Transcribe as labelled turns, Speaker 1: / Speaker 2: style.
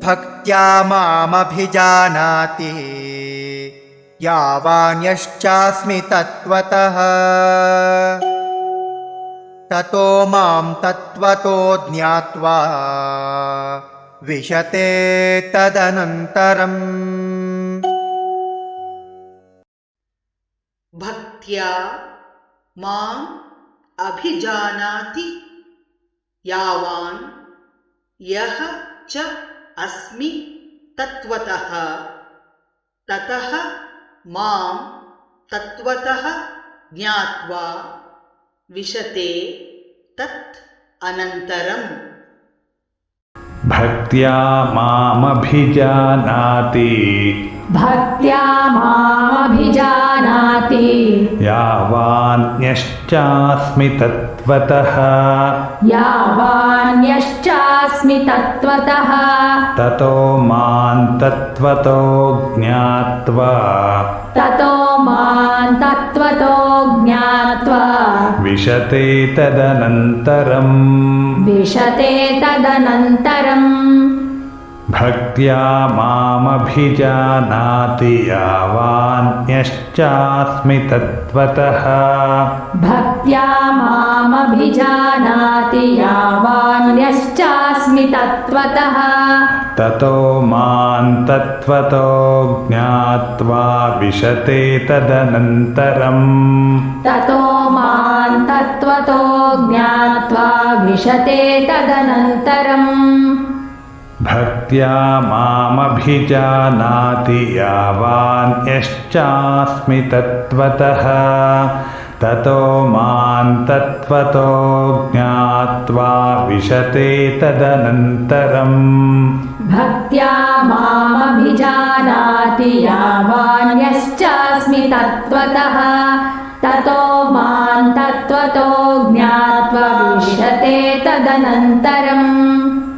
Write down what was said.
Speaker 1: भक्त्या मामभिजानाति यावान्यश्चास्मि तत्त्वतः ततो मां तत्त्वतो ज्ञात्वा विशते तदनन्तरम्।
Speaker 2: भक्त्या माम् अभिजानाति यावान् यः च अस्मि तत्त्वतः ततः मां तत्त्वतः ज्ञात्वा विशते तत् अनन्तरम्।
Speaker 3: भक्त्या मामभिजानाति यावान्यश्चास्मि तत्त्वतः ततो मां तत्त्वतो ज्ञात्वा विशते तदनन्तरम्। भक्त्या मामभिजानाति यावान्यश्चास्मि तत्त्वतः ततो मां तत्त्वतो ज्ञात्वा विशते तदनन्तरम्। भक्त्या मामभिजानाति यावान्यश्चास्मि तत्त्वतः ततो मां तत्त्वतो ज्ञात्वा विशते तदनन्तरम्।
Speaker 4: भक्त्या मामभिजानाति यावान्यश्चास्मि तत्त्वतः ततो मां तत्त्वतो ज्ञात्वा विशते तदनन्तरम्।